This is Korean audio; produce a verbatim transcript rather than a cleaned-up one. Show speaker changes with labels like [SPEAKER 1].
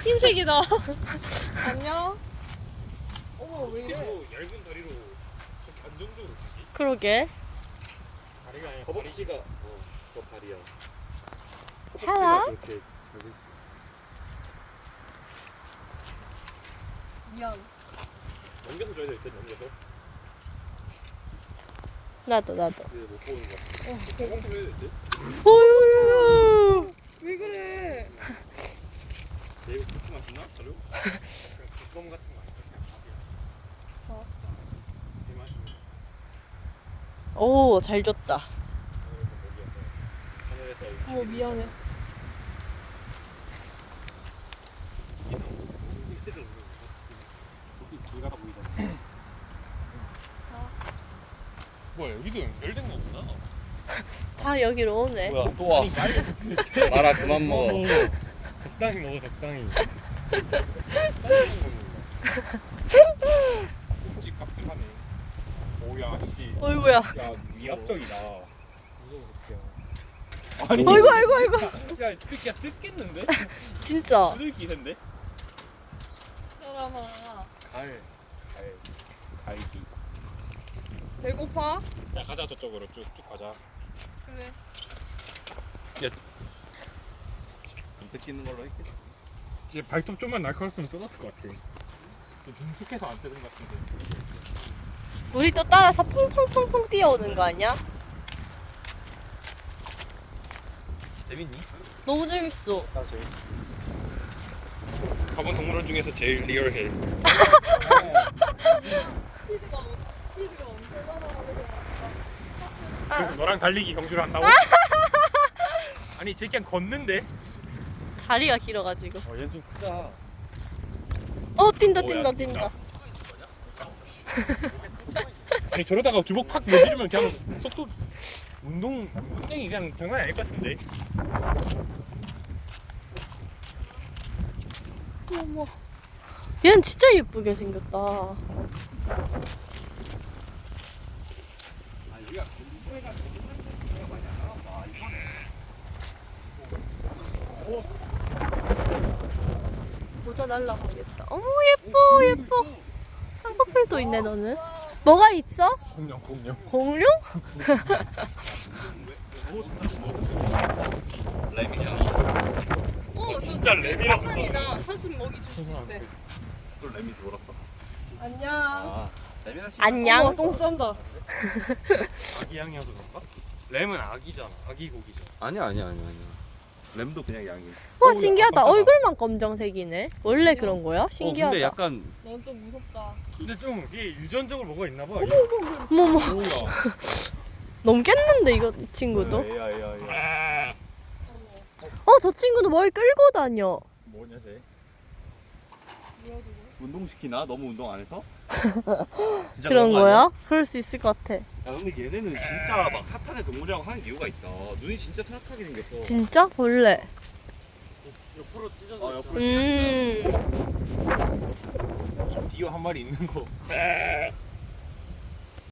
[SPEAKER 1] 흰색이다. 안녕. 어머 왜 이래?
[SPEAKER 2] 얇은 다리로 저렇게 안정적으로 치지?
[SPEAKER 3] 그러게.
[SPEAKER 2] 다리가 아니라
[SPEAKER 4] 허벅지가 어, 저 다리야.
[SPEAKER 3] Hello.
[SPEAKER 4] 그렇게
[SPEAKER 1] 미안.
[SPEAKER 4] 넘겨서 줘야 될 때 넘겨서.
[SPEAKER 3] 나도 나도.
[SPEAKER 4] 이제 못 보는 거 같아. 어, 저거 좀 해야 될 때.
[SPEAKER 3] 어유.
[SPEAKER 1] 왜 그래?
[SPEAKER 4] 내가 그렇게 맛있나? 자료?
[SPEAKER 2] 뚜껑 같은 거 아니야?
[SPEAKER 1] 저.
[SPEAKER 2] 이 맛있는
[SPEAKER 3] 오, 잘 줬다.
[SPEAKER 4] 하늘에서 여기
[SPEAKER 1] 어머 미안해.
[SPEAKER 4] 밑에서 오는 거. 거기 길 가다 보이잖아.
[SPEAKER 2] 뭐야 여기도 연결된 거구나.
[SPEAKER 3] 다 여기로 오네.
[SPEAKER 4] 뭐야 또 와. 마라 그만 먹어.
[SPEAKER 2] 적당히 먹어 적당히. 적당히 먹는다. 꼭지 빡슬하네. 오야 씨.
[SPEAKER 3] 어이구야.
[SPEAKER 2] 야 위압적이다. 무서워 새끼야. 아니.
[SPEAKER 3] 아이고 아이고 아이고.
[SPEAKER 2] 야 새끼야 뜯겠는데?
[SPEAKER 3] 진짜.
[SPEAKER 2] 뜯을 기세인데?
[SPEAKER 1] 사람아.
[SPEAKER 2] 갈. 갈. 갈기.
[SPEAKER 1] 배고파?
[SPEAKER 2] 야 가자 저쪽으로 쭉쭉 가자.
[SPEAKER 1] 그래.
[SPEAKER 4] 안 뜯기는 걸로 했겠지.
[SPEAKER 2] 이제 발톱 좀만 날카로웠으면 뜯었을 것 같아. 좀 중tuk해서 안 뜯은 것 같은데.
[SPEAKER 3] 우리 또 따라서 퐁퐁퐁퐁 뛰어오는 거 아니야?
[SPEAKER 4] 재밌니?
[SPEAKER 3] 너무 재밌어.
[SPEAKER 4] 나 재밌어.
[SPEAKER 2] 가본 동물원 중에서 제일 리얼해.
[SPEAKER 1] 스피드가 어- 스피드가 엄청 따라가는
[SPEAKER 2] 그래서 너랑 달리기 경주를 한다고? 아니 쟤 그냥 걷는데?
[SPEAKER 3] 다리가 길어가지고.
[SPEAKER 4] 어, 얘는 좀 크다.
[SPEAKER 3] 어 뛴다
[SPEAKER 2] 뭐야,
[SPEAKER 3] 뛴다
[SPEAKER 2] 뛴다.
[SPEAKER 3] 뛴다.
[SPEAKER 2] 아니 저러다가 주먹 팍 내지르면 그냥 속도 운동 운동이 그냥 장난 아닐 것 같은데.
[SPEAKER 3] 어머. 얘는 진짜 예쁘게 생겼다.
[SPEAKER 4] 아 여기가 공부회가 되게 많이 안 나왔다. 이번에.
[SPEAKER 3] 모자 날라가겠다. 어머 예뻐 예뻐. 쌍꺼풀도 있네 너는. 뭐가 있어?
[SPEAKER 2] 공룡 공룡.
[SPEAKER 3] 공룡?
[SPEAKER 4] 램이잖아.
[SPEAKER 1] 어,
[SPEAKER 2] 진짜 랩이라서
[SPEAKER 1] 사슴이다. 사슴 먹이 좀
[SPEAKER 2] 신선한데.
[SPEAKER 1] 돼.
[SPEAKER 4] 또 램이 돌았어.
[SPEAKER 1] 안녕.
[SPEAKER 4] 아, 램이랑 씨.
[SPEAKER 3] 안녕.
[SPEAKER 1] 어머, 똥 싼다.
[SPEAKER 2] 아기 양이어서 그런가? 램은 아기잖아. 아기 고기잖아.
[SPEAKER 4] 아니야 아니야 아니야 아니야. 램도 그냥 양이.
[SPEAKER 3] 와 신기하다.
[SPEAKER 2] 깜깜하다.
[SPEAKER 3] 얼굴만 검정색이네. 원래 그런 거야? 신기하다.
[SPEAKER 4] 어 근데 약간
[SPEAKER 1] 넌 좀 무섭다.
[SPEAKER 2] 근데 좀 이게 유전적으로 뭐가 있나 봐.
[SPEAKER 3] 어머머
[SPEAKER 2] 뭐야?
[SPEAKER 3] 넘겠는데 이거 이 친구도?
[SPEAKER 4] 에야 에야 에야.
[SPEAKER 3] 어 저 친구도 뭘 끌고 다녀.
[SPEAKER 2] 뭐냐 쟤?
[SPEAKER 4] 운동 시키나? 너무 운동 안 해서? 진짜
[SPEAKER 3] 그런
[SPEAKER 4] 거
[SPEAKER 3] 거야?
[SPEAKER 4] 아니야?
[SPEAKER 3] 그럴 수 있을 것 같아.
[SPEAKER 4] 야 근데 얘네는 진짜 막 사탄의 동물이라고 하는 이유가 있다. 눈이 진짜 사악하게 생겼어.
[SPEAKER 3] 진짜? 본래.
[SPEAKER 2] 옆으로 찢어져.
[SPEAKER 4] 아 옆으로
[SPEAKER 3] 음.
[SPEAKER 2] 디오 한 마리 있는 거.